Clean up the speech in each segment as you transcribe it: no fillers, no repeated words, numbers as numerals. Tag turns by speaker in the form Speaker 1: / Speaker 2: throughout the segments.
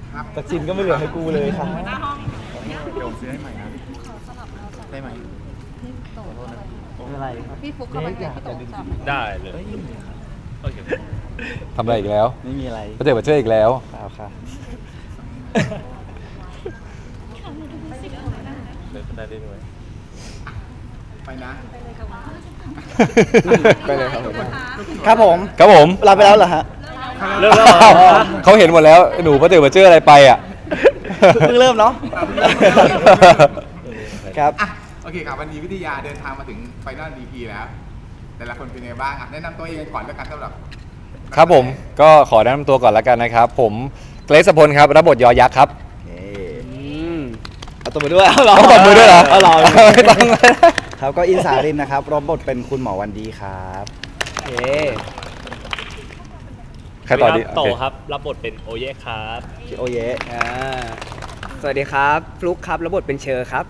Speaker 1: แต่ชินก็ไม่เหลือให้กูเลยครับ
Speaker 2: เดี๋ยวผมซื้อให้ใหม่นะได้ไหม
Speaker 1: ไม่เป็นไรครับ
Speaker 3: พี่ฟุกเข้าไปให้พี่โตจับ
Speaker 4: ได้เลยโอเค
Speaker 5: ทำอะไรอีกแล้ว
Speaker 1: ไม่มีอะไร
Speaker 5: ก็เจอมาเจออีกแล้ว
Speaker 1: เปล่าค่ะ
Speaker 4: เดินได้ด้วย
Speaker 2: ไปนะ
Speaker 5: ไปเลยครับผม
Speaker 1: ครับผม
Speaker 5: ครับผม
Speaker 1: ลาไปแล้วเหรอฮะ
Speaker 4: เริ่มแล้วเหรอ
Speaker 5: เขาเห็นหมดแล้ว หนูป้าเต๋อมาเจออะไรไปอ่ะ
Speaker 1: เพิ่งเริ่มเนาะ ครับ
Speaker 2: อ่ะโอเคครับวันนี้วิทยาเดินทางมาถึงไฟนอล EP แล้ว แต่ละคนเป็นไงบ้างอ่ะแนะนำตัวเองก่อนแล้วกันสำหรับ
Speaker 5: ครับผมก็ขอแนะนำตัวก่อนแล้วกันนะครับ ผมเกรซพลครับรับบทยอยักษ์ครับ
Speaker 1: เอาตัวมาด้วยเอาหรอ
Speaker 5: ต้องตบมือด้วยเหรอ
Speaker 1: เอาหรอ
Speaker 5: ไม่ต้อง
Speaker 1: ครับก็อินสารินนะครับรับบทเป็นคุณหมอวันดีครับเอ
Speaker 5: ใครต่อดี
Speaker 4: โต
Speaker 5: โอเค
Speaker 4: ครับรับบทเป็นโอเย่ครับ
Speaker 1: โอเยะ
Speaker 6: สวัสดีครับฟลุกครับรับบทเป็นเชอร์ครับ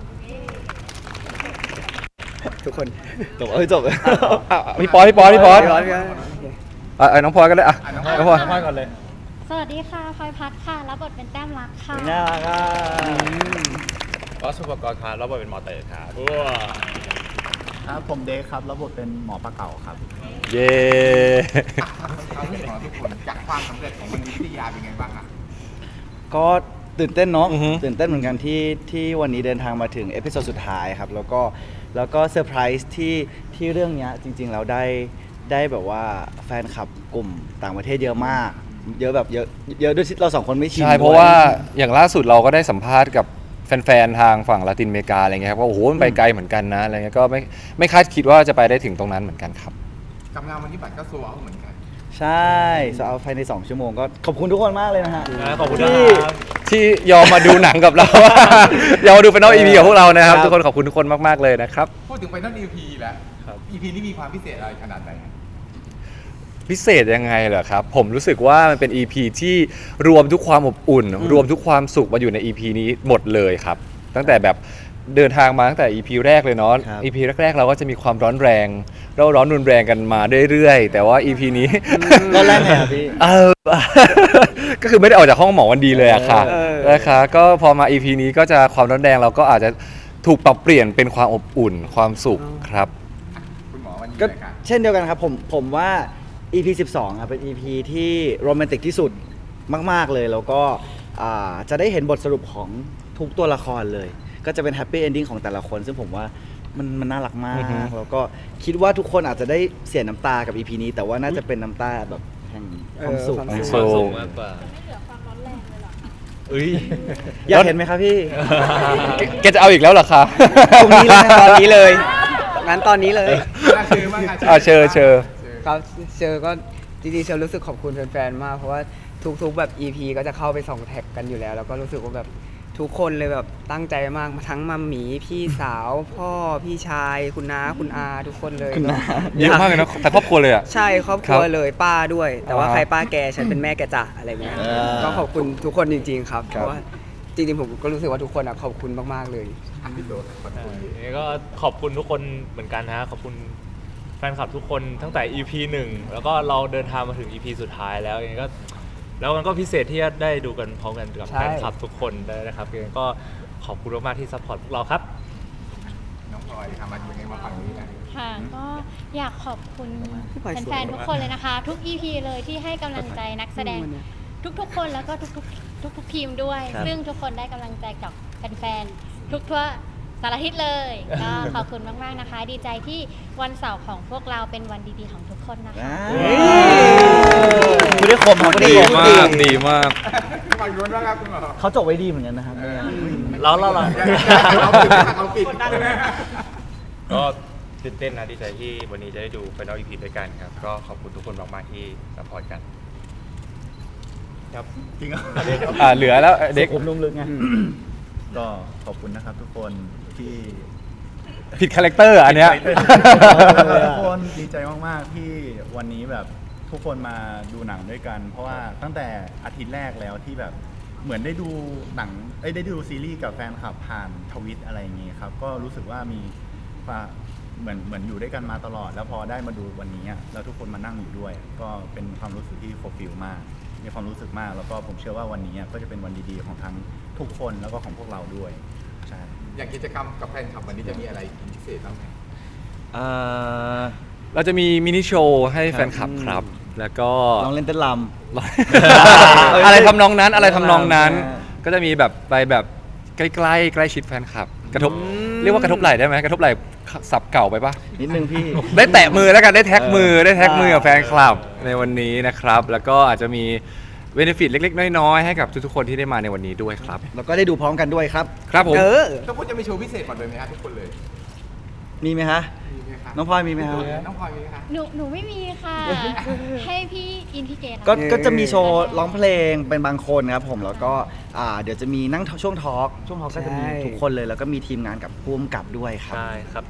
Speaker 6: ทุกคน
Speaker 1: จบจบ
Speaker 5: พี่ปอยพี่ปอยพี่ปอย
Speaker 6: พี่พี่
Speaker 5: น้องพลอยก็ได้อ่ะน้องพลอย
Speaker 4: น้อยก่อนเลย
Speaker 7: สวัสดีค่ะพลอยพัดค่ะ รับบทเป็นแต้มรักค่ะ
Speaker 1: น่ารักอ่ะ
Speaker 4: วัสุปกรณ์ครับรับบทเป็นหมอเต๋อครับ
Speaker 2: ครับผมเดคครับรับบทเป็นหมอปลาเก่าครับ
Speaker 5: เย้
Speaker 2: ความรู้สึกของทุกคนจากความสำเร็จของวันนี้วิทยาเป็นไงบ้างอ่ะ
Speaker 1: ก็ตื่นเต้นเนาะ
Speaker 5: อือฮึ
Speaker 1: ตื่นเต้นเหมือนกันที่วันนี้เดินทางมาถึงเอพิโซดสุดท้ายครับแล้วก็เซอร์ไพรส์ที่เรื่องเนี้ยจริงๆแล้วได้แบบว่าแฟนคลับกลุ่มต่างประเทศเยอะมาก เยอะแบบเยอะด้วยที่เราสองคนไม่ชิน
Speaker 5: ใช่เพราะว่าอย่างล่าสุดเราก็ได้สัมภาษณ์กับแฟนๆทางฝั่งลาตินอเมริกาอะไรเงี้ยครับว่าโอ้โหมันไปไกลเหมือนกันนะอะไรเงี้ยก็ไม่คาดคิดว่าจะไปได้ถึงตรงนั้นเหมือนกันครับ
Speaker 2: กับงานวันนี้บัตรก็โซลเอาท์เหมือนกัน
Speaker 1: ใช่จะเอาภายใน2ชั่วโมงก็ขอบคุณทุกคนมากเลยนะฮะ
Speaker 4: ขอบคุณ
Speaker 1: ที่
Speaker 4: ครับ
Speaker 5: ที่ยอมมาดูหนังกับเรา ยอมมาดูเป็นน้องอีพีกับพวกเรานะครับ
Speaker 1: ครับ
Speaker 5: ทุกคนขอบคุณทุกคนมากๆเลยนะครับ
Speaker 2: พูดถึงไฟนอล EP แล้ว
Speaker 4: ครับ
Speaker 2: EP นี้มีความพิเศษอะไรขนาดไหน
Speaker 5: พิเศษยังไงเหรอครับ ผมรู้สึกว่ามันเป็น EP ที่รวมทุกความอบอุ่น รวมทุกความสุขมาอยู่ใน EP นี้หมดเลยครับ ตั้งแต่แบบเดินทางมาตั้งแต่ EP แรกเลยเนาะ
Speaker 1: ครับ
Speaker 5: EP แรกๆเราก็จะมีความร้อนแรงเราร้อนรุนแรงกันมาเรื่อยๆแต่ว่า EP นี้
Speaker 1: ก็แรกไงอะพี่
Speaker 5: ก็คือไม่ได้ออกจากห้องหมอวันดีเลยอะค่ะ
Speaker 1: เออ
Speaker 5: นะคะก็พอมา EP นี้ก็จะความร้อนแรงเราก็อาจจะถูกปรับเปลี่ยนเป็นความอบอุ่นความสุขครับ
Speaker 2: คุณหมอวันนี้
Speaker 1: ก็
Speaker 2: เลยครับ
Speaker 1: เช่นเดียวกันครับผมว่า EP 12อ่ะเป็น EP ที่โรแมนติกที่สุดมากๆเลยแล้วก็จะได้เห็นบทสรุปของทุกตัวละครเลย ก็จะเป็นแฮปปี้เอนดิ้งของแต่ละคน ซึ่งผมว่ามันน่ารักมาก
Speaker 5: อือฮึ
Speaker 1: แล้วก็คิดว่าทุกคนอาจจะได้เสียน้ำตากับ EP นี้ แต่ว่าน่าจะเป็นน้ำตาแบบแห่งความสุข
Speaker 6: ความ
Speaker 5: ความ
Speaker 6: สุ
Speaker 5: สุ
Speaker 6: ข
Speaker 5: ข
Speaker 4: มากกว่า
Speaker 1: อยากเห็นไหมครับพี่
Speaker 5: แกจะเอาอีกแล้วเหรอคะ
Speaker 1: ตรงนี้เลยนะ
Speaker 6: ตอนนี้เลยงั้นตอนนี้เลย
Speaker 2: น่าเชื่อมาก
Speaker 5: เชิญ
Speaker 6: ครับเชอร์ก็จริงๆเชอร์รู้สึกขอบคุณแฟนๆมากเพราะว่าทุกๆแบบ EP ก็จะเข้าไปส่องแท็กกันอยู่แล้ว แล้วก็รู้สึกว่าแบบทุกคนเลยแบบตั้งใจมากทั้งมัมหมีพี่สาว พ่อพี่ชายคุณน้าคุณอาทุกคนเลย
Speaker 1: คุณน้า
Speaker 5: เยอะมากเลยนะแต่ครอบครัวเลยอ่ะ
Speaker 6: ใช่ครอบครัว
Speaker 5: ครับ
Speaker 6: เลยป้าด้วย แต่ว่า
Speaker 5: อ่า
Speaker 6: ใครป้าแกฉันเป็นแม่แกจ่ะอะไรเงี้ย
Speaker 1: อ่า
Speaker 6: ก็ขอบคุณทุกคนจริงๆครับ
Speaker 1: ค
Speaker 6: เพ
Speaker 1: รับ
Speaker 6: ราะว่าจริงๆผมก็รู้สึกว่าทุกคนอะขอบคุณมากๆเลย
Speaker 2: ๆอ่ะพี่โตขอบคุณ
Speaker 4: ก็ขอบคุณทุกคนเหมือนกันนะฮะขอบคุณแฟนคลับทุกคนตั้งแต่ EP 1 แล้วก็เราเดินทางมาถึง EP สุดท้ายแล้วยังไงก็แล้วมันก็พิเศษที่จะได้ดูกันพร้อมกันกับ
Speaker 6: ใช่
Speaker 4: แฟนคลับทุกคนได้นะครับยังไงก็ขอบคุณมากๆที่ซัพพอร์ตพวกเราครับ
Speaker 2: น้องพลอยทำมาอยู่ในมาฝั่งนี้นะ
Speaker 7: ค่ะ ก็อยากขอบคุณ
Speaker 6: พี่พลอยสวย
Speaker 7: แฟนๆทุกคนเลยนะคะ ทุก EP เลยที่ให้กำลังใจนักแสดงทุกๆคนแล้วก็ทุกทีมด้วย
Speaker 1: ครับ
Speaker 7: ซึ่งทุกคนได้กำลังใจจากแฟนๆทุกทั่วสารทิศเลย ก็ขอบคุณมากๆนะคะ ดีใจที่วันเสาร์ของพวกเราเป็นวันดีๆของทุกคนนะคะ
Speaker 1: คุณได้คมครับคุณได้
Speaker 5: ดี
Speaker 1: คม
Speaker 5: มากดีมาก
Speaker 2: ฝั่งนู้นบ้างครับคุณหมอ
Speaker 1: เขาจบไว้ดีเหมือนกันนะครับเนี่ย
Speaker 4: เรา
Speaker 2: เราปิด
Speaker 8: ก็ตื่นเต้นนะดีใจที่วันนี้จะได้ดูFinal EP ด้วยกันครับ ก็ขอบคุณทุกคนมากๆที่ซัพพอร์ตกัน
Speaker 2: จริงเหรอ
Speaker 5: เหลือแล้วเด็ก
Speaker 1: ผมนุ่มลึกไง
Speaker 9: ก็ขอบคุณนะครับทุกคนที่
Speaker 5: ผิดคาแรคเตอร์อันเนี้ย
Speaker 9: ทุกคนดีใจมากๆที่วันนี้แบบทุกคนมาดูหนังด้วยกัน เพราะว่าตั้งแต่อาทิตย์แรกแล้วที่แบบเหมือนได้ดูหนังได้ดูซีรีส์กับแฟนคลับผ่านทวิตอะไรอย่างงี้ครับก็รู้สึกว่ามีเหมือนอยู่ด้วยกันมาตลอด แล้วพอได้มาดูวันนี้อะแล้วทุกคนมานั่งอยู่ด้วย ก็เป็นความรู้สึกที่โฟลฟิลมากมีความรู้สึกมาก แล้วก็ผมเชื่อว่าวันนี้ก็จะเป็นวันดีๆของทั้งทุกคนแล้วก็ของพวกเราด้วยใช่
Speaker 2: อย่างกิจกรรมกับแฟนคลับวันนี้จะมีอะไรพิเศษบ้างไหม
Speaker 5: เราจะมีมินิโชว์ให้แฟนคลับครับ แล้วก็
Speaker 1: ลองเล่นเต้นร
Speaker 5: อะไรทำนองนั้นอะไรทำนองนั้น
Speaker 1: ใช่
Speaker 5: ก็จะมีแบบไปแบบใกล้ๆใกล้ชิดแฟนคลับ กระทบเรียกว่ากระทบไหล่ได้ไหมกระทบไหล่สับเก่าไปปะ
Speaker 1: นิดนึงพี่
Speaker 5: ได้แตะมือแล้วกันได้แท็กมือได้แท็กมือกับแฟนคลับในวันนี้นะครับ แล้วก็อาจจะมีเบนฟิตเล็กๆน้อยๆให้กับทุกๆคนที่ได้มาในวันนี้ด้วยครับ
Speaker 1: แล้วก็ได้ดูพร้อมกันด้วยครับ
Speaker 5: ครับผม
Speaker 2: ทุกคนจะมีโชว์พิเศษก่อนเลยไหมฮะทุกคนเลย
Speaker 1: มีไหมฮะ
Speaker 2: มีไหมคะ
Speaker 1: น้องพลอยมีไหมฮะ
Speaker 2: น้องพลอยมีไหมคะ
Speaker 7: หนูไม่มีค่ะ ให้พี่อินพี่เกด
Speaker 1: ก็จะมีโชว์ร้องเพลงเป็นบางคนครับผมแล้วก็เดี๋ยวจะมีนั่งช่วงทอล์กก็จะมี
Speaker 6: ใช่
Speaker 1: ทุกคนเลยแล้วก็มีทีมงานกับผู้กำกับด้วยครับ
Speaker 4: ใช่ครับ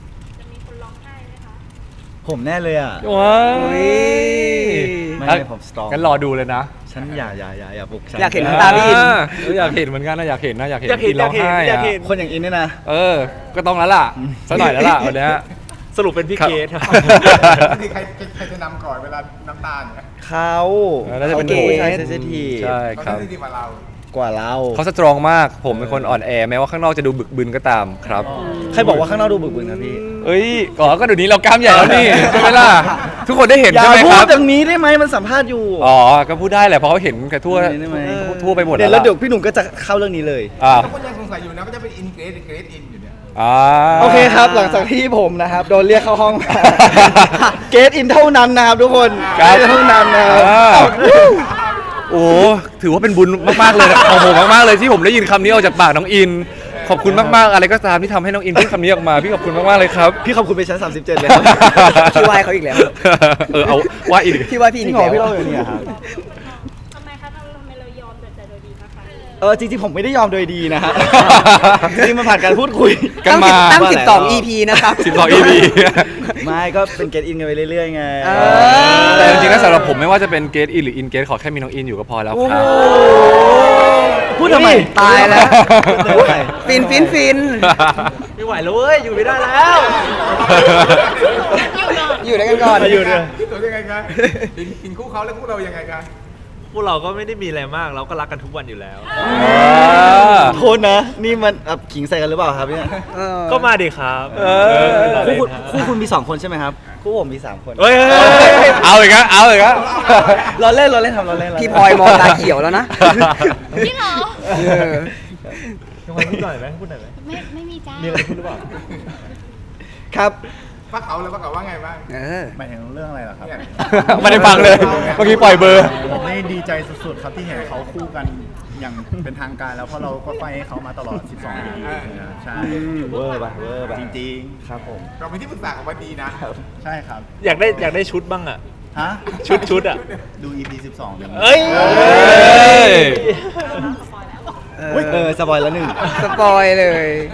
Speaker 1: ผมแน่เลยอ่ะ
Speaker 5: ว้าว
Speaker 1: ไม่ผมสตรอง
Speaker 5: งั้นรอดูเลยนะ
Speaker 1: ฉันอย่าปลุกฉัน
Speaker 6: อยากเห็นน้ำตาพี่อิน
Speaker 5: อยากเห็นเหมือนกันนะอยากเห็นนะอยากเห็น
Speaker 4: อยากเห็น
Speaker 5: ร้องไห้
Speaker 4: อยากเห็น
Speaker 1: คนอย่างอินเนี่ยนะ
Speaker 5: ก็ต้องแล้วล่ะสักหน่อยแล้วล่ะวันเนี้ย
Speaker 4: สรุปเป็นพี่
Speaker 5: ครับ
Speaker 4: เกดครับ
Speaker 2: ใครจะนำก่อนเวลาน้ำตาลเนี่ย
Speaker 1: เขา
Speaker 5: น่าจะเป็น
Speaker 1: เขา
Speaker 5: ผม
Speaker 1: ผู้ชายเซนซิทีฟ
Speaker 5: ใช่
Speaker 2: เขา
Speaker 5: ครับ
Speaker 2: ได้ดีกว่าเรา
Speaker 1: กว่าเรา
Speaker 5: เขาสตรองมากผมเป็นคนอ่อนแอแม้ว่าข้างนอกจะดูบึกบึนก็ตามครับ
Speaker 1: ใครบอกว่าข้างนอกดูบึกบึนนะพี่
Speaker 5: เอ้ยก็เดี๋ยวนี้เรากล้ามใหญ่แล้วนี่ใช่ไหมล่ะทุกคนได้เห็น
Speaker 1: อย่า
Speaker 5: ใช่ไหม
Speaker 1: พู
Speaker 5: ค
Speaker 1: ด
Speaker 5: รับ
Speaker 1: อย่างนี้ได้ไหมมันสัมภาษณ์อยู่
Speaker 5: ก็พูดได้แหละเพราะเขาเห็นกันทั่ว
Speaker 1: ได้ไหม
Speaker 5: ทั่วไปหมด
Speaker 1: เดี๋ยว
Speaker 5: แล้
Speaker 1: แล้ว วเดี๋ยวพี่หนุ่มก็จะเข้าเรื่องนี้เลย
Speaker 5: อ่า
Speaker 2: ทุกคนยังสงสัยอยู่นะว่าจะเป็นอินเกรดอินอยู่เนี่ย
Speaker 1: โอเคครับ หลังจากที่ผมนะครับโดนเรียกเข้าห้อง เกตอินเท่านั้นนะครับทุกคน
Speaker 5: ครับ
Speaker 1: เกตเท่านั้นนะครับ
Speaker 5: โอ้ถือว่าเป็นบุญมากๆเลยนะของผมมากๆเลยที่ผมได้ยินคำนี้ออกจากปากน้องอิน ขอบคุณมากๆอะไรก็ตามที่ทำให้น้องอินพูดคำนี้ออกมาพี่ขอบคุณมากๆเลยครับ
Speaker 1: พี่ขอบคุณไปชั้น 37 เลยครับ
Speaker 6: พี่ไหว้เขาอีกแล้ว
Speaker 5: เอาว่าอีก
Speaker 6: พี่ไหว้พี่
Speaker 1: จริ
Speaker 6: อี
Speaker 1: ง
Speaker 6: ก
Speaker 1: เหรอ
Speaker 6: แล้ว
Speaker 1: พี่เล่าอย่างนี้ครับ
Speaker 3: ทำไมคะทำไมเรายอมแต่โดยดีคะ
Speaker 1: จริงๆผมไม่ได้ยอมโดยดีนะฮะ จริงๆมันผ่านการพูดคุย
Speaker 5: กันมา
Speaker 6: ตั้ง
Speaker 1: ว่าอะไร
Speaker 6: 12 EP นะครับ
Speaker 5: 12 EP
Speaker 1: ไม่ก็เป็นเกตอินกันไปเรื่อยๆไง
Speaker 5: แต่จริงๆแล้วสำหรับผมไม่ว่าจะเป็นเกตอินหรืออินเกตขอแค่มีน้องอินอยู่ก็พอแล้วครับ
Speaker 1: พูดทำไม
Speaker 6: ตายแล้ว
Speaker 1: พูดทำไม
Speaker 6: ฟิน
Speaker 4: ไม่ไหวแล้วเว้ย อยู่ไม่ได้แล้ว
Speaker 6: อยู่ด้วยกันก่อน
Speaker 1: อยู่ด้วย
Speaker 2: พี่ตัวยังไงคะกินคู่เขาแล้วคู่เรายังไงคะ
Speaker 4: พวกเราก็ไม่ได้มีอะไรมาก เราก็รักกันทุกวันอยู่แล้ว
Speaker 1: โทษนะ นี่มันขิงใส่กันหรือเปล่าครับเนี่ย
Speaker 4: ก็มาดิครับ
Speaker 1: คู่คุณมี 2 คนใช่ไหมครับ คู่ผมมี 3 คน
Speaker 4: เฮ้ย
Speaker 5: เอาอีกแล้วเอาอีกแล้ว
Speaker 1: เราเล่นทำเราเล่น
Speaker 6: พี่พลอยมองตาเขียวแล้วนะ
Speaker 7: พี่เหรอ
Speaker 4: น้องพลอยพูดหน่อยไหมพูดหน่อยไหม
Speaker 7: ไม่มีจ้า
Speaker 4: มีอะไรพูดหรือเปล่า
Speaker 1: ครับ
Speaker 2: ป้าเขาแล้วป้าเขาว่าไงบ้าง
Speaker 9: หมายถึงเรื่องอะไรเหรอครับ
Speaker 2: เนี่ย
Speaker 5: ไม่ได้ฟังเลยเมื่อกี้ปล่อยเบอร์
Speaker 9: ผมนี่ดีใจสุดๆครับที่เห็นเขาคู่กันอย่างเป็นทางการแล้วเพราะเราก็ไฟให้เขามาตลอด 12 ปีใช่
Speaker 1: เวอร์ป่ะ
Speaker 9: จริง
Speaker 1: ครับผม
Speaker 2: เราเป็นที่ปรึกษาของวันดีนะ
Speaker 9: ๆ ใช่ครับ
Speaker 4: อยากได้ชุดบ้างอ่ะ
Speaker 9: ฮะ
Speaker 4: ชุดอ่ะ
Speaker 9: ดู EP 12เดี๋ยวนี้
Speaker 4: เอ้ย
Speaker 1: สปอยแล้วหนึ่ง
Speaker 6: สปอยเลย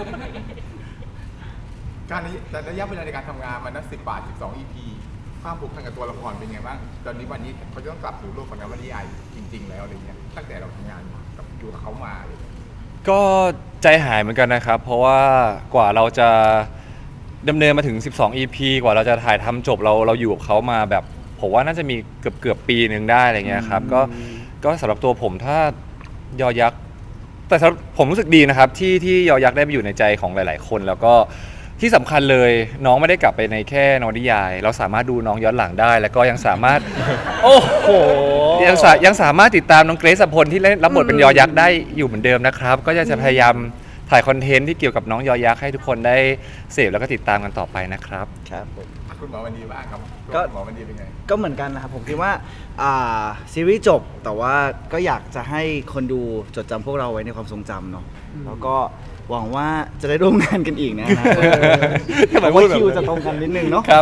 Speaker 2: การระยะเวลาในการทำงานมันนับ10 บาท 12 EP ความผูกพันกับตัวละครเป็นไงบ้าง ตอนนี้วันนี้เขาจะต้องกลับสู่โลกของนวนิยายจริง ๆ แล้วอะไรเงี้ย ตั้งแต่เราทำงานกับอยู่กับเขามาอะไรเงี้ย
Speaker 5: ก็ใจหายเหมือนกันนะครับ เพราะว่ากว่าเราจะดำเนินมาถึง 12 EP กว่าเราจะถ่ายทำจบเราอยู่กับเขามาแบบผมว่าน่าจะมีเกือบปีหนึ่งได้อะไรเงี้ยครับก็สำหรับตัวผมถ้ายอยักษ์แต่สำหรับผมรู้สึกดีนะครับที่ยอยักษ์ได้ไปอยู่ในใจของหลาย ๆ คน แล้วก็ที่สำคัญเลยน้องไม่ได้กลับไปในแค่นวนิยาย เราสามารถดูน้องย้อนหลังได้ แล้วก็ยังสามารถ โอ้โหยังสามารถติดตามน้องเกรซพลที่เล่นรับบทเป็นยอยักษ์ได้อยู่เหมือนเดิมนะครับ ก็จะพยายามถ่ายคอนเทนต์ที่เกี่ยวกับน้องยอยักษ์ให้ทุกคนได้เสพแล้วก็ติดตามกันต่อไปนะครับ
Speaker 1: ครับผม
Speaker 2: คุณหมอวันดีบ้างครับ
Speaker 1: ก็
Speaker 2: หมอวันดีเป็นไง
Speaker 1: ก็เหมือนกันนะครับ ผมคิดว่าซีรีส์จบแต่ว่าก็อยากจะให้คนดูจดจำพวกเราไว้ในความทรงจำเนาะแล้วก็หวังว่าจะได้ร่วมงานกันอีกนะฮะ
Speaker 5: ทำไม
Speaker 1: แต่
Speaker 5: พู
Speaker 1: ว่า
Speaker 5: ดแบบนั้น
Speaker 1: คิวจะตรงกันนิดนึงเนาะ
Speaker 5: ครับ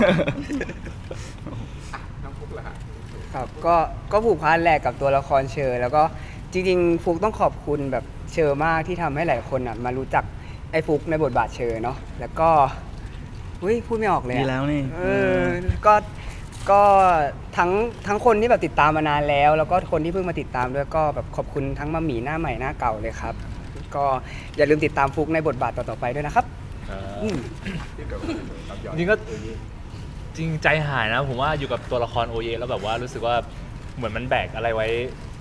Speaker 2: น้องฟุกเหรอฮะ
Speaker 6: ครับก็ผูกพันแหละกับตัวละครเชอร์แล้วก็จริงๆฟุกต้องขอบคุณแบบเชอร์มากที่ทำให้หลายคนอ่ะมารู้จักไอ้ฟุกในบทบาทเชอร์เนาะแล้วก็พูดไม่ออกเลย
Speaker 1: ดี
Speaker 6: อะ
Speaker 1: แล้วนี่
Speaker 6: ก็ทั้งคนที่แบบติดตามมานานแล้ว แล้วก็คนที่เพิ่งมาติดตามด้วยก็แบบขอบคุณทั้งมาหมีหน้าใหม่หน้าเก่าเลยครับ ก็อย่าลืมติดตามฟุกในบทบาทต่อๆไปด้วยนะครับ
Speaker 2: ที่เดี๋ยวกับยอด
Speaker 4: จริงก็จริงใจหายนะ ผมว่าอยู่กับตัวละครโอเยแล้วแบบว่ารู้สึกว่าเหมือนมันแบกอะไรไว้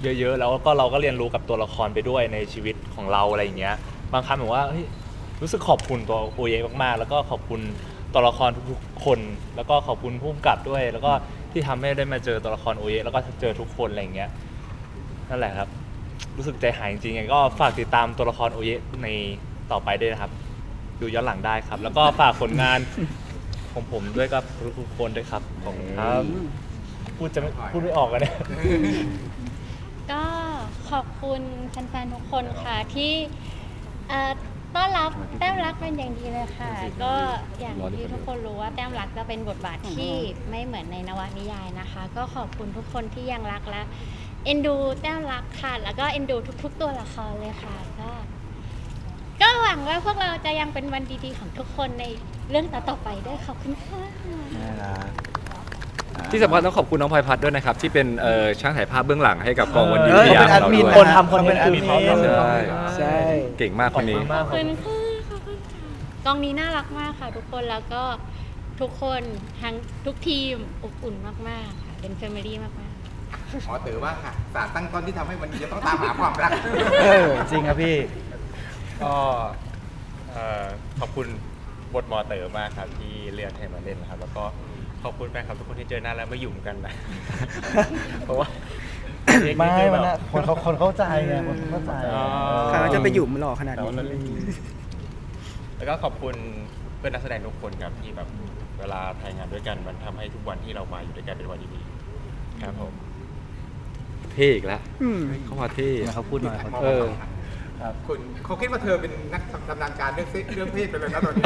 Speaker 4: เยอะๆแล้วก็เราก็เรียนรู้กับตัวละครไปด้วยในชีวิตของเราอะไรอย่างเงี้ยบางครั้งแบบว่าเฮ้ยรู้สึกขอบคุณตัวโอเยมากๆแล้วก็ขอบคุณตัวละครทุกๆคนแล้วก็ขอบคุณผู้กำกับด้วย แล้วก็ที่ทำให้ได้มาเจอตัวละครโอเยแล้วก็เจอทุกคนอะไรอย่างเงี้ยนั่นแหละครับรู้สึกใจหายจริงๆไงก็ฝากติดตามตัวละครโอเยในต่อไปด้วยนะครับดูย้อนหลังได้ครับ แล้วก็ฝากผลงานของผมด้วยกับทุกคนด้วยครับขอบคุณครับพูดไม่ออกกันเนี่ย
Speaker 7: ก็ขอบคุณแฟนๆทุกคนค่ะที่ต้อนรับแต้มรักเป็นอย่างดีเลยค่ะ ก็อย่างที่ทุกคนรู้ว่าแต้มรักจะเป็นบทบาทที่ไม่เหมือนในนวนิยายนะคะ ก็ขอบคุณทุกคนที่ยังรักและเอ็นดูแต้มรักค่ะแล้วก็เอ็นดูทุกๆตัวละครเลยค่ะก็หวังว่าพวกเราจะยังเป็นวันดีๆของทุกคนในเรื่องต่อๆไปด้วยขอบคุณค่ะ
Speaker 1: น่ารัก
Speaker 5: ที่สำคัญต้องขอบคุณน้องพลอยพัฒน์ด้วยนะครับ ที่เป็นช่างถ่ายภาพเบื้องหลังให้กับกองวันดี
Speaker 1: เออ
Speaker 5: วิทยา
Speaker 1: เขาเป็น
Speaker 5: ของเรา
Speaker 1: แอดมิน
Speaker 5: ด้วย
Speaker 1: คนทำคอนเทนต์
Speaker 5: ใช่
Speaker 6: ใช่
Speaker 5: เก่งมากคนนี้
Speaker 7: ขอบคุณค่ะขอบคุณค่ะกองนี้น่ารักมากค่ะทุกคนแล้วก็ทุกคนทั้งทุกทีมอบอุ่นมากๆค่ะเป็นแฟมิลี่มากๆ
Speaker 2: ขอเต๋อว่าค่ะสารตั้งต้นที่ทำให้วันนี้จะต้องตามหาความรัก
Speaker 1: จริงครับพี่
Speaker 8: ก็ขอบคุณบทหมอเต๋อมากครับที่เลือกให้มาเล่นนะครับ แล้วก็ขอบคุณแฟนคลับทุกคนที่เจอหน้าแล้วไม่หยุ่มกันนะ เพราะว่า
Speaker 1: ไม่มันนะคนเข้าใจไงคนเข้าใจ
Speaker 6: ใครว่าจะไปหยุ่มหล่อขนาด
Speaker 8: แต่ว่ามัน
Speaker 6: นี้
Speaker 8: แล้วก็ขอบคุณเพื่อนนักแสดงทุกคนครับที่แบบเวลาถ่ายงานด้วยกันมันทำให้ทุกวันที่เรามาอยู่ด้วยกันเป็นวันดีๆครับผม
Speaker 5: เท่อีกแล้วเข้ามาเท่
Speaker 1: เขาพูดหน่อย
Speaker 5: เออ
Speaker 2: คุณเขาคิดว่าเธอเป็นนักชำนาญการเรื่องเพศไปเลยนะตอนนี้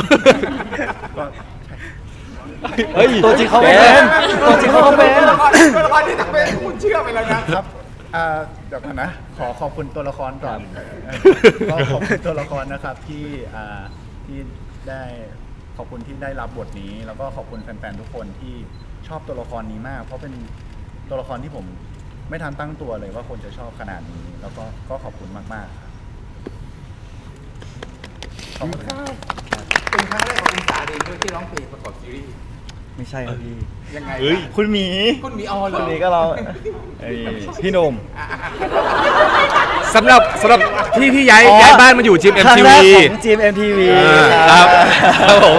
Speaker 1: เฮ้ยตัวจริงเขาไม่เป็นตัวจริงเขาก็เป็น
Speaker 2: ตัวละครที่ทำเป็นคุณเชื่อไปแล้วนะครับ
Speaker 9: เดี๋ยวก่อนนะ ขอบคุณตัวละครก่อนก็ขอบคุณตัวละครนะครับที่ได้ขอบคุณที่ได้รับบทนี้ แล้วก็ขอบคุณแฟนๆทุกคนที่ชอบตัวละครนี้มาก เพราะเป็นตัวละครที่ผมไม่ทันตั้งตัวเลยว่าคนจะชอบขนาดนี้ แล้วก็ขอบคุณมากๆครับขอบคุณครับ
Speaker 2: เป็นครั้งแรกของคุณสาเองด้วยที่ร้องเพลงประกอบซีรีส์
Speaker 1: ไม่ใช่ครับพี่
Speaker 2: ยังไง
Speaker 1: คุณหมี
Speaker 2: คุณมีออเหร
Speaker 1: คุ
Speaker 2: อ
Speaker 1: ณหมีก็เราพี่หนุ่ม
Speaker 5: สำหรับที่ย้ายบ้านมาอยู่จิม
Speaker 1: ครั้ง
Speaker 5: MTV
Speaker 1: แรกของ GMMTV
Speaker 5: ครับครับผม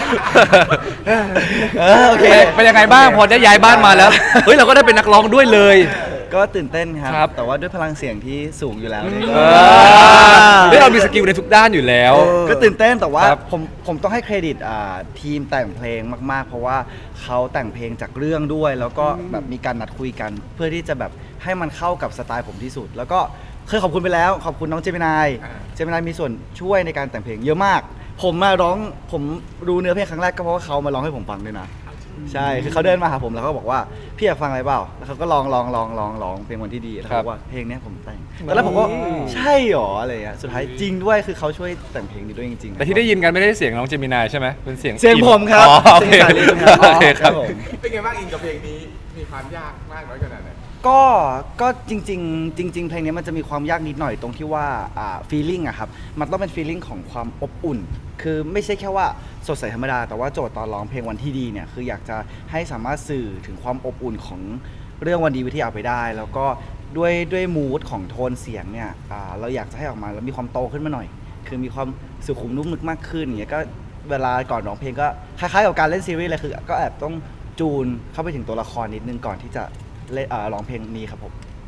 Speaker 1: โอเค
Speaker 5: เป็นยังไงบ้างพอได้ย้ายบ้านมาแล้ว เฮ้ยเราก็ได้เป็นนักร้องด้วยเลย
Speaker 1: ก็ตื่นเต้นค
Speaker 5: ครั
Speaker 1: รับ แต่ว่าด้วยพลังเสียงที่สูงอยู่แล้วเนี่ย
Speaker 5: เฮ้ยเรามีสกิลในทุกด้านอยู่แล้ว
Speaker 1: ก็ตื่นเต้นแต่ว่า
Speaker 5: ครับ
Speaker 1: ผมต้องให้เครดิตทีมแต่งเพลงมากๆ เพราะว่าเขาแต่งเพลงจากเรื่องด้วย แล้วก็แบบมีการนัดคุยกัน เพื่อที่จะแบบให้มันเข้ากับสไตล์ผมที่สุด แล้วก็เคยขอบคุณไปแล้วขอบคุณน้องเจมินายเจมินายมีส่วนช่วยในการแต่งเพลงเยอะมาก ผมมาร้องผมรู้เนื้อเพลงครั้งแรกก็เพราะว่าเขามาร้องให้ผมฟังด้วยนะใช่คือเขาเดินมาหาผมแล้วเขาบอกว่าพี่อยากฟังอะไรเปล่าแล้วเขาก็ลองเพลงวันที่ดีแล้วเขาบอกว่าเพลงเนี้ยผมแต่งตอนแรกผมก็ใช่หรออะไรเงี้ยสุดท้ายจริงด้วยคือเขาช่วยแต่งเพลงนี้ด้วยจริงๆ
Speaker 5: แต่ที่ได้ยินกันไม่ได้เสียงน้องเจมินายใช่ไหมเป็นเสียง
Speaker 1: เสียงผมครับ
Speaker 5: อ๋อโอเค
Speaker 1: เสียงสาลีครับ
Speaker 5: โอเคครับ
Speaker 1: ผม
Speaker 2: เป็นไงบ้างอินกับเพลงนี้มีความยากมากน้อยขนาดไหน
Speaker 1: ก็จริงเพลงนี้มันจะมีความยากนิดหน่อยตรงที่ว่าfeeling อะครับมันต้องเป็น feeling ของความอบอุ่น คือไม่ใช่แค่ว่าสดใสธรรมดาแต่ว่าโจทย์ตอนร้องเพลงวันที่ดีเนี่ยคืออยากจะให้สามารถสื่อถึงความอบอุ่นของเรื่องวันดีวิทยาไปได้ แล้วก็ด้วยมูดของโทนเสียงเนี่ยเราอยากจะให้ออกมาแล้วมีความโตขึ้นมาหน่อย คือมีความสุขุมนุ่มนึกมากขึ้นอย่างเงี้ยก็เวลาก่อนร้องเพลงก็คล้ายๆกับการเล่นซีรีส์เลยคือก็แอบต้องจูนเข้าไปถึงตัวละครนิดนึงก่อนที่จะเล่นร้องเพลงนี้ครับผม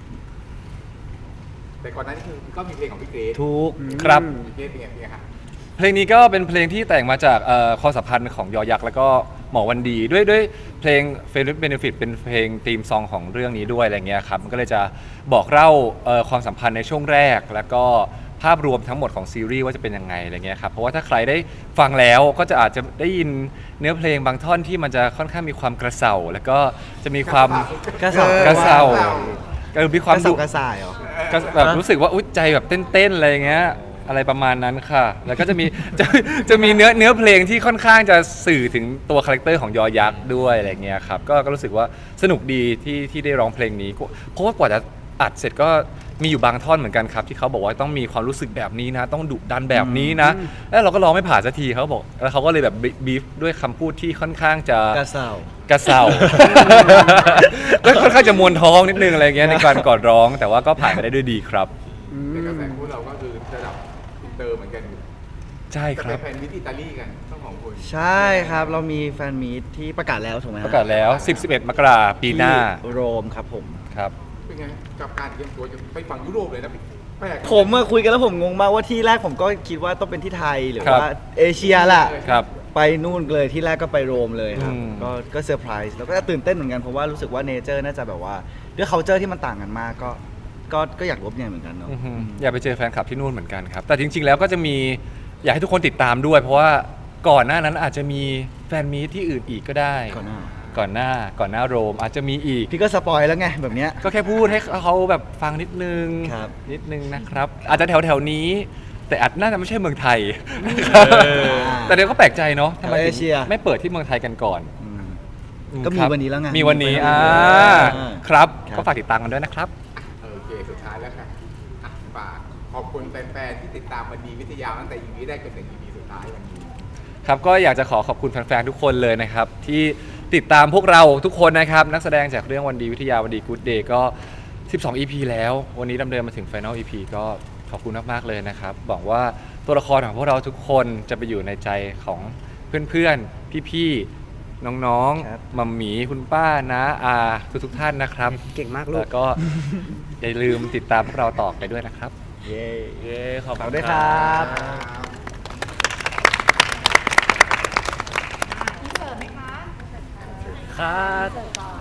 Speaker 2: แต่ก่อนหน้านี้คือก็มีเพลงของพี่เกรซ
Speaker 1: ทุก
Speaker 5: ครับ
Speaker 2: พี่เกรซเป็นไงครับ
Speaker 5: เพลงนี้ก็เป็นเพลงที่แต่งมาจากความสัมพันธ์ของยอยักษ์แล้วก็หมอวันดีด้วยเพลง Friends with Benefit เป็นเพลงธีมซองของเรื่องนี้ด้วยอะไรเงี้ยครับมันก็เลยจะบอกเล่าความสัมพันธ์ในช่วงแรกแล้วก็ภาพรวมทั้งหมดของซีรีส์ว่าจะเป็นยังไงอะไรเงี้ยครับเพราะว่าถ้าใครได้ฟังแล้วก็จะอาจจะได้ยินเนื้อเพลงบางท่อนที่มันจะค่อนข้างมีความกระเซาแล้วก็จะมีความ
Speaker 1: กระเซา
Speaker 5: กระเซามีความ
Speaker 1: กระ
Speaker 5: ดุ
Speaker 1: เซากระส่ายเหรอ
Speaker 5: ก็แบบรู้สึกว่าอุ๊ยใจแบบเต้นๆอะไรอย่างเงี้ยอะไรประมาณนั้นค่ะ แล้วก็จะมี จะมีเนื้อเพลงที่ค่อนข้างจะสื่อถึงตัวคาแรคเตอร์ของยอยักษ์ด้วยอะไรเงี้ยครับก็รู้สึกว่าสนุกดีที่ได้ร้องเพลงนี้เพราะว่ากว่าจะอัดเสร็จก็มีอยู่บางท่อนเหมือนกันครับที่เขาบอกว่าต้องมีความรู้สึกแบบนี้นะ ต้องดุดันแบบนี้นะ แล้วเราก็ร้องไม่ผ่านสักทีเขาบอกแล้วเขาก็เลยแบบบีฟด้วยคำพูดที่ค่อนข้างจะ
Speaker 1: กระเซาก
Speaker 5: ระเซา ก็ค่อนข้างจะมวนท้องนิดนึงอะไรเงี้ยในการก่อนร้อง แต่ว่าก็ผ่านไปได้ด้วยดีครับ
Speaker 2: ในกระแสพวกเราก็คือระดับอินเตอร์เหมือนกันอยู่
Speaker 5: ใช่ค
Speaker 2: จะ
Speaker 5: รั
Speaker 2: ไป
Speaker 5: บ
Speaker 2: แฟนมิตรอิตาลีกันต้องของคุณ
Speaker 1: ใช่ครับเรามีแฟนมีตที่ประกาศแล้วถูกไหมฮ
Speaker 5: ประกาศแล้ว 10-11 มกราปีหน้า
Speaker 1: ที่โรมครับผม
Speaker 5: ครับ
Speaker 2: เป็นไงกับการเตรียมตัวจะไปฝั่งยุโรปเลยนะแปลก
Speaker 1: ผมมาคุยกันแล้วผมงงมากว่าที่แรกผมก็คิดว่าต้องเป็นที่ไทยหรือ
Speaker 5: ครับ
Speaker 1: ว่าเอเชียแหละ
Speaker 5: ครับ
Speaker 1: ไปนู่นเลยที่แรกก็ไปโรมเลยครับ
Speaker 5: อืม
Speaker 1: ก็เซอร์ไพรส์แล้วก็ตื่นเต้นเหมือนกันเพราะว่ารู้สึกว่าเนเจอร์น่าจะแบบว่าด้วย culture ที่มันต่างกันมากก็อยากรู้เนี่ยเหมือนกันเนาะ
Speaker 5: อือฮึอยากไปเจอแฟนคลับที่นู่นเหมือนกันครับ แต่จริงๆแล้วก็จะมีอยากให้ทุกคนติดตามด้วย เพราะว่าก่อนหน้านั้นอาจจะมีแฟนมีตที่อื่นอีกก็ได้
Speaker 1: ก่อนหน้า
Speaker 5: ก่อนหน้าโรมอาจจะมีอีก
Speaker 1: พี่ก็สปอยแล้วไงแบบเนี้ย
Speaker 5: ก็แค่พูดให้เขาแบบฟังนิดนึง
Speaker 1: ครับ
Speaker 5: นิดนึงนะครับ อาจจะแถวๆนี้ แต่อาจน่าจะไม่ใช่เมืองไทย แต่เดี๋ยวก็แปลกใจเนาะทำไม
Speaker 1: แถวเอ
Speaker 5: ถึง
Speaker 1: เชีย
Speaker 5: ไม่เปิดที่เมืองไทยกันก่อน
Speaker 1: อืม
Speaker 5: อื
Speaker 1: ก็มี
Speaker 5: ครับ
Speaker 1: วันนี้แล้วไง
Speaker 5: มีวันนี้
Speaker 1: มีวันนี้
Speaker 5: ครับ
Speaker 1: ครับ
Speaker 5: ก็ฝากติดตามกันด้วยนะครับ
Speaker 2: โอเคสุดท้ายแล้วครับอ่ะฝากขอบคุณแฟนๆที่ติดตามวันดีวิทยาตั้งแต่ EP แรกจนถึง EP สุดท้ายวันนี้
Speaker 5: ครับก็อยากจะขอบคุณแฟนๆทุกคนเลยนะครับ ที่ติดตามพวกเราทุกคนนะครับ นักแสดงจากเรื่องวันดีวิทยาวันดีกู๊ดเดย์ก็ 12 EP แล้ว วันนี้ดำเนินมาถึง Final EP ก็ขอบคุณมากๆเลยนะครับหวังว่าตัวละครของพวกเราทุกคนจะไปอยู่ในใจของเพื่อนๆ พี่ๆ น้อง
Speaker 1: ครับ
Speaker 5: ๆมัมหมีคุณป้านะอาทุกๆท่านนะครับ
Speaker 6: เก่งมากลู
Speaker 5: แล้
Speaker 6: ก
Speaker 5: วก็ อย่าลืมติดตามพวกเราต่อไปด้วยนะครับ
Speaker 1: เย้
Speaker 4: เย้ขอบ
Speaker 1: ฝาก
Speaker 4: คุณ
Speaker 1: ด้วยครับ
Speaker 4: ครับ